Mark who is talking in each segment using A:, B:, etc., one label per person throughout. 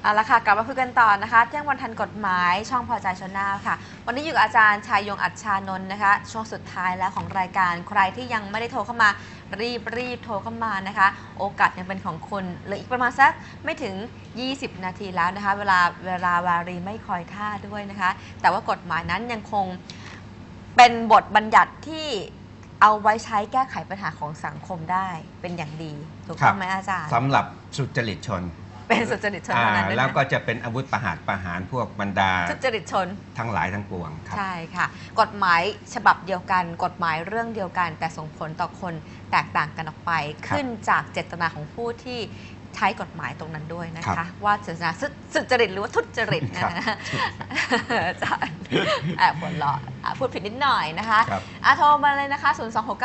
A: เอาละค่ะกลับมาคุยกันต่อนะคะเที่ยงวันทันกฎหมายช่องพอใจชนนาค่ะวันนี้อยู่กับอาจารย์ชายยงอัจฉานนท์นะคะช่วงสุดท้ายแล้วของรายการใครที่ยังไม่ได้โทรเข้ามารีบโทรเข้ามานะคะโอกาสยังเป็นของคุณเหลืออีกประมาณสักไม่ถึง20นาทีแล้วนะคะเวลาวารีไม่คอยท่าด้วยนะคะแต่ว่ากฎหมายนั้นยังคงเป็นบทบัญญัติที่เอาไว้ใช้แก้ไขปัญหาของสังคมได้เป็นอย่างดีถูกต้องไหมอาจารย์
B: สำหรับสุจริตชน
A: เป็นสุจริตชนเท่านั้น
B: แล้วก็จะเป็นอาวุธประหารพวกบรรดา
A: สุจริตชน
B: ทั้งหลายทั้งปวงครับ
A: ใช่ค่ะกฎหมายฉบับเดียวกันกฎหมายเรื่องเดียวกันแต่ส่งผลต่อคนแตกต่างกันออกไปขึ้นจากเจตนาของผู้ที่ใช้กฎหมายตรงนั้นด้วยนะคะว่าเจตนาสุจริตหรือว่าทุจริตนะอาจารย์หัวเราะพูดผิดนิดหน่อยนะคะโทรมาเลยนะคะ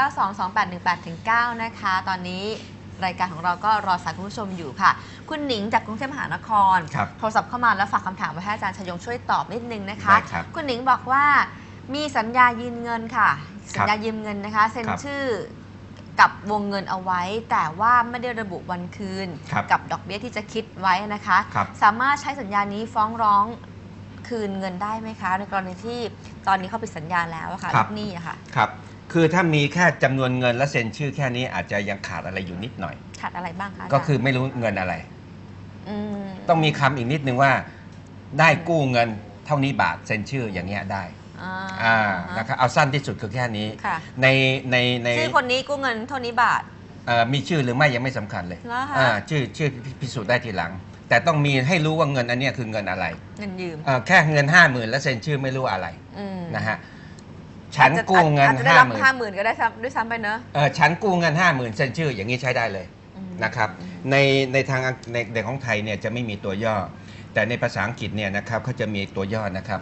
A: 026922818-9นะคะตอนนี้รายการของเราก็รอสายคุณผู้ชมอยู่ค่ะคุณหนิงจากกรุงเทพมหานครโทรศัพท์เข้ามาแล้วฝากคำถามไว้ให้อาจารย์ชยงช่วยตอบนิดนึงนะคะคุณหนิงบอกว่ามีสัญญายืมเงินค่ะสัญญายืมเงินนะคะเซ็นชื่อกับวงเงินเอาไว้แต่ว่าไม่ได้ระบุวันคืนกับดอกเบี้ยที่จะคิดไว้นะคะสามารถใช้สัญญานี้ฟ้องร้องคืนเงินได้ไหมคะในกรณีที่ตอนนี้เขาปิดสัญญาแล้วค่ะลูกหนี้อะค่ะ
B: ครับคือถ้ามีแค่จำนวนเงินและเซ็นชื่อแค่นี้อาจจะยังขาดอะไรอยู่นิดหน่อย
A: ขาดอะไรบ้างคะ
B: ก็คือไม่รู้เงินอะไรต้องมีคำอีกนิดนึงว่าได้กู้เงินเท่านี้บาทเซ็นชื่ออย่างเงี้ยได้นะครับเอาสั้นที่สุดคือแค่นี้ใน
A: ชื่อคนนี้กู้เงินเท่านี้บาท
B: มีชื่อหรือไม่ยังไม่สำคัญเลยชื่อพิสูจน์ได้ทีหลังแต่ต้องมีให้รู้ว่าเงินอันนี้คือเงินอะไร
A: เงินยืม
B: แค่เงิน50,000แล้วเซ็นชื่อไม่รู้อะไรนะฮะฉันกู้เงิน
A: 50,000ก็ได้ด้วยซ้ำไปเนอะ
B: ฉันกู้เงิน50,000เซ็นชื่ออย่างนี้ใช้ได้เลยนะครับในทางในเด็กของไทยเนี่ยจะไม่มีตัวย่อแต่ในภาษาอังกฤษเนี่ยนะครับเขาจะมีตัวย่อนะครับ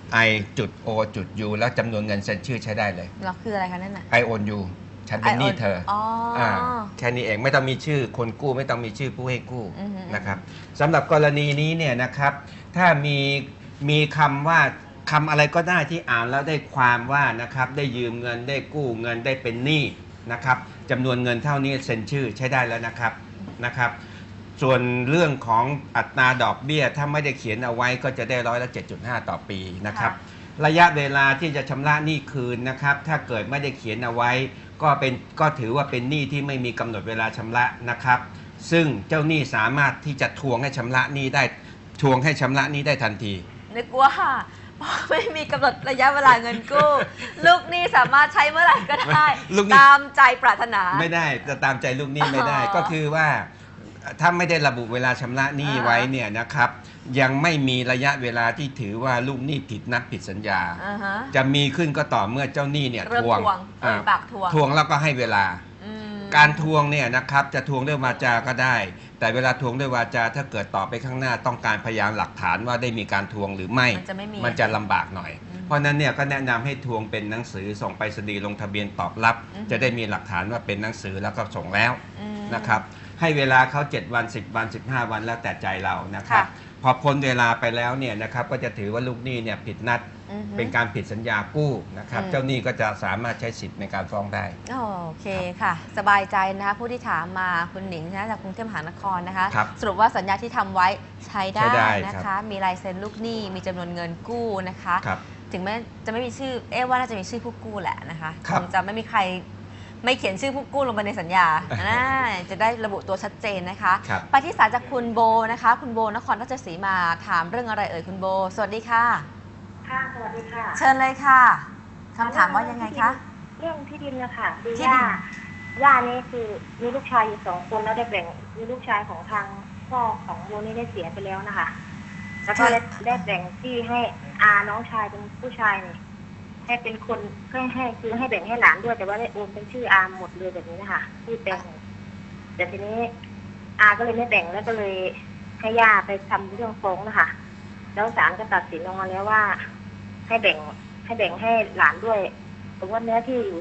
B: I.O.U แล้วจำนวนเงินเซ็นชื่อใช้ได้เลย
A: เราคืออะไรคะนั่นน่ะ
B: I own you ฉันเป็นหนี้เธอแค่นี้เองไม่ต้องมีชื่อคนกู้ไม่ต้องมีชื่อผู้ให้กู้นะครับสำหรับกรณีนี้เนี่ยนะครับถ้ามีคำว่าคำอะไรก็ได้ที่อ่านแล้วได้ความว่านะครับได้ยืมเงินได้กู้เงินได้เป็นหนี้นะครับจำนวนเงินเท่านี้เซ็นชื่อใช้ได้แล้วนะครับส่วนเรื่องของอัตราดอกเบี้ยถ้าไม่ได้เขียนเอาไว้ก็จะได้7.5%ต่อปีนะครับระยะเวลาที่จะชำระหนี้คืนนะครับถ้าเกิดไม่ได้เขียนเอาไว้ก็ถือว่าเป็นหนี้ที่ไม่มีกำหนดเวลาชำระนะครับซึ่งเจ้าหนี้สามารถที่จะทวงให้ชำระหนี้ได้ทันที
A: นึกว่าไม่มีกำหนดระยะเวลาเงินกู้ลูกหนี้สามารถใช้เมื่อไหร่ก็ได้ตามใจปรารถนา
B: ไม่ได้จะตามใจลูกหนี้ไม่ได้ก็คือว่าถ้าไม่ได้ระบุเวลาชำระหนี้ไว้เนี่ยนะครับยังไม่มีระยะเวลาที่ถือว่าลูกหนี้ผิดนัดผิดสัญญาจะมีขึ้นก็ต่อเมื่อเจ้าหนี้เนี่ยทวงแล้วก็ให้เวลาการทวงเนี่ยนะครับจะทวงด้วยวาจาก็ได้แต่เวลาทวงด้วยวาจาถ้าเกิดต่อไปข้างหน้าต้องการพยานหลักฐานว่าได้มีการทวงหรือไม่มันจะลำบากหน่อยเพราะนั้นเนี่ยก็แนะนำให้ทวงเป็นหนังสือส่งไปรษณีย์ลงทะเบียนตอบรับจะได้มีหลักฐานว่าเป็นหนังสือแล้วก็ส่งแล้วนะครับให้เวลาเขา7 วัน10 วัน15 วันแล้วแต่ใจเรานะครับพอพ้นเวลาไปแล้วเนี่ยนะครับก็จะถือว่าลูกหนี้เนี่ยผิดนัดเป็นการผิดสัญญากู้นะครับเจ้าหนี้ก็จะสามารถใช้สิทธิ์ในการฟ้องได้
A: โอเคค่ะสบายใจนะคะผู้ที่ถามมาคุณหนิงนะจากกรุงเทพมหานครนะคะสรุปว่าสัญญาที่ทำไว้ใช้ได้นะคะมีลายเซ็นลูกหนี้มีจำนวนเงินกู้นะคะถึงแม้จะไม่มีชื่อว่าน่าจะมีชื่อผู้กู้แหละนะคะคงจะไม่มีใครไม่เขียนชื่อผู้กู้ลงไปในสัญญาจะได้ระบุตัวชัดเจนนะคะไปที่สายจากคุณโบนะคะคุณโบนครราชสีมาถามเรื่องอะไรเอ่ยคุณโบสวัสดีค่ะ
C: ค่ะสวัสดีค่ะ
A: เชิญเลยค่ะคำถามว่ายังไงคะ
C: เรื่องที่ดินนะคะคือย่านี่คือมีลูกชายอยู่2 คนแล้วได้แบ่งมีลูกชายของทางพ่อของโบนี่ได้เสียไปแล้วนะคะแล้วก็ได้แบ่งที่ให้น้องชายเป็นผู้ชายนี่ให้เป็นคนให้คือให้แบ่งให้หลานด้วยแต่ว่าได้โอนเป็นชื่อหมดเลยแบบนี้นะคะที่แบ่งแต่ทีนี้ก็เลยไม่แบ่งแล้วก็เลยให้ย่าไปทำเรื่องฟ้องนะคะแล้วศาลก็ตัดสินออกมาแล้วว่าให้แบ่งให้หลานด้วยสมมติเนื้อที่อยู่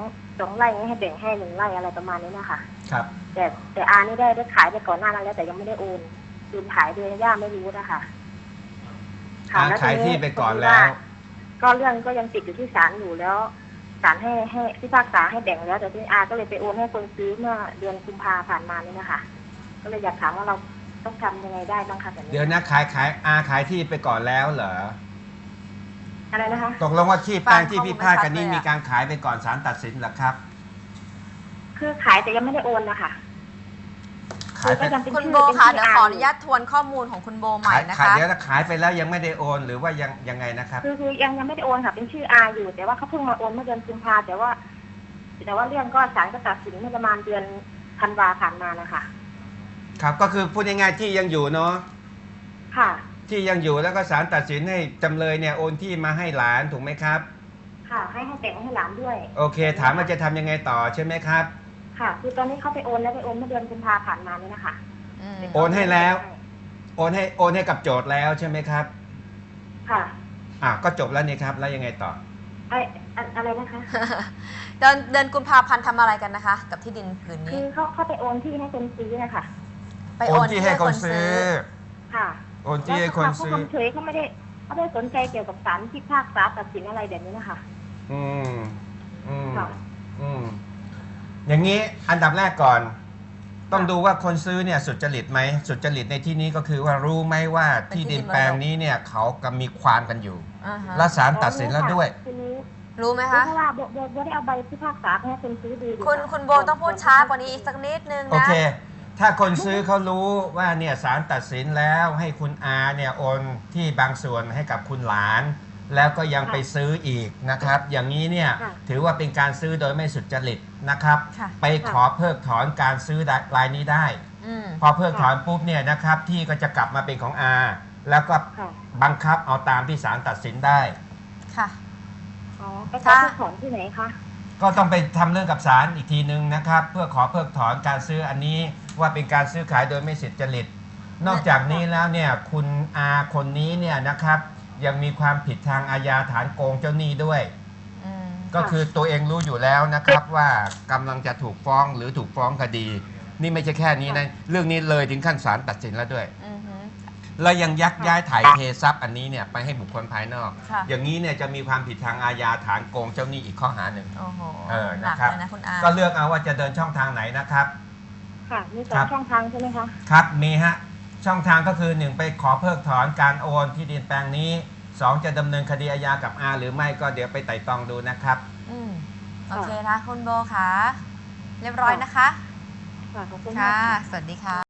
C: 2 ไร่ให้แบ่งให้1 ไร่อะไรประมาณนี้นะคะ
B: ครับ
C: แต่นี่ได้ขายไปก่อนหน้านั้นแล้วแต่ยังไม่ได้โอนคืนขายโดยย่าไม่รู้นะคะ
B: ขายที่ไปก่อนแล้ว
C: ก็เรื่องก็ยังติดอยู่ที่ศาลอยู่แล้วศาลให้พิพากษาให้แบ่งแล้วแต่ที่ก็เลยไปโอนให้คนซื้อเมื่อเดือนกุมภาผ่านมานี่นะคะก็เลยอยากถามว่าเราต้องทำยังไงได้บ้างคะแบบนี้
B: เดี๋ยวนะขายที่ไปก่อนแล้วเหรอ
C: อะไรนะคะ
B: ตกลงว่าที่แปลงที่พิพาทกันนี้
A: ฟังข้อมูลไม่ชัดเลยอะ
B: มีการขายไปก่อนศาลตัดสินเหรอครับ
C: คือขายแต่ยังไม่ได้โอนนะคะ
B: ขายไป
C: ก็ยังเป็น
A: คุณ
C: ชื่อ
A: โบ
C: เป็น
A: คะ
C: ชื่
A: เดี๋ยวขออนุญาตทวนข้อมูลของคุณโบใหม่นะ
B: ขาย
A: คะ
B: เดี๋ยวนะขายไปแล้วยังไม่ได้โอนหรือว่ายังไงนะครับ
C: คือยังไม่ได้โอนค่ะเป็นชื่ออาอยู่ แต่ว่าเขาเพิ่งมาโอนเมื่อเดือนกุมภาแต่ว่าเรื่องก็ศาลก็ตัดสินเมื่อประมาณเดือนธันวาผ่านมานะคะ
B: ครับก็คือพูดง่ายๆที่ยังอยู่เนาะ
C: ค่ะ
B: ที่ยังอยู่แล้วก็ศาลตัดสินให้จำเลยเนี่ยโอนที่มาให้หลานถูกไหมครับ
C: ค่ะ ให้แต่งให้หลานด้วย
B: โอเค ถามว่าจะทำยังไงต่อใช่ไหมครับ
C: ค่ะ คือตอนนี้เขาไปโอนแล้วไปโอนเมื่อเดือนกุมภาผ่านมานี่นะคะ
A: อืม
B: โอนให้แล้ว โอนให้กับโจทย์แล้วใช่ไหมครับ
C: ค่ะ
B: ก็จบแล้วนี่ครับแล้วยังไงต่อ
C: อะไรนะคะ
A: เดือนกุมภาพันธ์ทำอะไรกันนะคะ กับที่ดินผืน
C: คื
A: นี้
C: อเขาไปโอนที่ให้คนซื้อนะคะ
A: ไป
B: โอ
A: โอน น
B: ที่
A: ที่
B: ให้
A: ให้
B: ค
A: คน น
B: ซื้
A: ซื้
B: อ
A: อ
C: ค่ะ
B: โอนที่ให้คนซื้อ
C: เขาเฉยเขาไม่ได้สนใจเกี่ยวกับศาลพิพากษาตัดสินอะไรแบบนี้นะคะ
B: อืมอืม
C: ค่ะ
B: อืมอย่างนี้อันดับแรกก่อน ต้องดูว่าคนซื้อเนี่ยสุจริตไหมสุจริตในที่นี้ก็คือว่ารู้ไหมว่าที่ดินแปลงนี้เนี่ยเขากำลังมีความกันอยู่
A: อ่าฮะ
B: และศาลตัดสินแล้วด้วย
C: คือรู้
A: รู้ไหม
C: เพ
A: คะ
C: ราะว่าโบได้เอาใบพิพากษาให้คนซื้อดูอยู่
A: คุณโบต้องพูดช้ากว่านี้อีกสักนิดนึง
B: โอ
A: นะ
B: เค ถ้าคนซื้อเขารู้ว่าเนี่ยศาลตัดสินแล้วให้คุณอาเนี่ยโอนที่บางส่วนให้กับคุณหลาน แล้วก็ยังไปซื้ออีกนะครับ อย่างนี้เนี่ยถือว่าเป็นการซื้อโดยไม่สุจริตนะครับ
A: ค่ะ
B: ไปขอเพิกถอนการซื้อรายนี้ได้
A: อืม
B: พอเพิกถอนปุ๊บเนี่ยนะครับที่ก็จะกลับมาเป็นของอาแล้วก็
C: ค่ะ
B: บังคับเอาตามที่ศาลตัดสินได้
A: ค่ะ
C: อ๋อไปขอเพิกถอนที่ไหนคะ
B: ก็ต้องไปทำเรื่องกับศาลอีกทีนึงนะครับ เพื่อขอเพิกถอนการซื้ออันนี้ว่าเป็นการซื้อขายโดยไม่สุจริต นอกจากนี้แล้วเนี่ยคุณอาคนนี้เนี่ยนะครับยังมีความผิดทางอาญาฐานโกงเจ้าหนี้ด้วย
A: อืม
B: ก็คือตัวเองรู้อยู่แล้วนะครับว่ากำลังจะถูกฟ้องหรือถูกฟ้องคดี นี่ไม่ใช่แค่นี้นะเรื่องนี้เลยถึงขั้นศาลตัดสินแล้วด้วย
A: อือฮึ
B: แล้วยังยักย้ายถ่ายเททรัพย์อันนี้เนี่ยไปให้บุคคลภายนอก
A: ค่ะ
B: อย่างนี้เนี่ยจะมีความผิดทางอาญาฐานโกงเจ้าหนี้อีกข้อหาหนึ่ง
A: โอ้โห
B: นะ
A: หนัก
B: ครับ
A: เลยนะคุณอา
B: ก็เลือกเอาว่าจะเดินช่องทางไหนนะครับ
C: ค่ะ มีสอ
B: ครั
C: ง
B: บ
C: ช่องทางใช่ไหมคะ
B: ครับมีฮะช่องทางก็คือ 1 ไปขอเพิกถอนการโอนที่ดินแปลงนี้ 2 จะดำเนินคดีอาญากับอาหรือไม่ก็เดี๋ยวไปไต่ตองดูนะครับ
A: อืมโอเคนะคุณโบค่ะ เรียบร้อยนะคะ
C: ค่ะ ขอบคุณมาก
A: ค่ะ
C: ค่ะ
A: สวัสดีค่ะ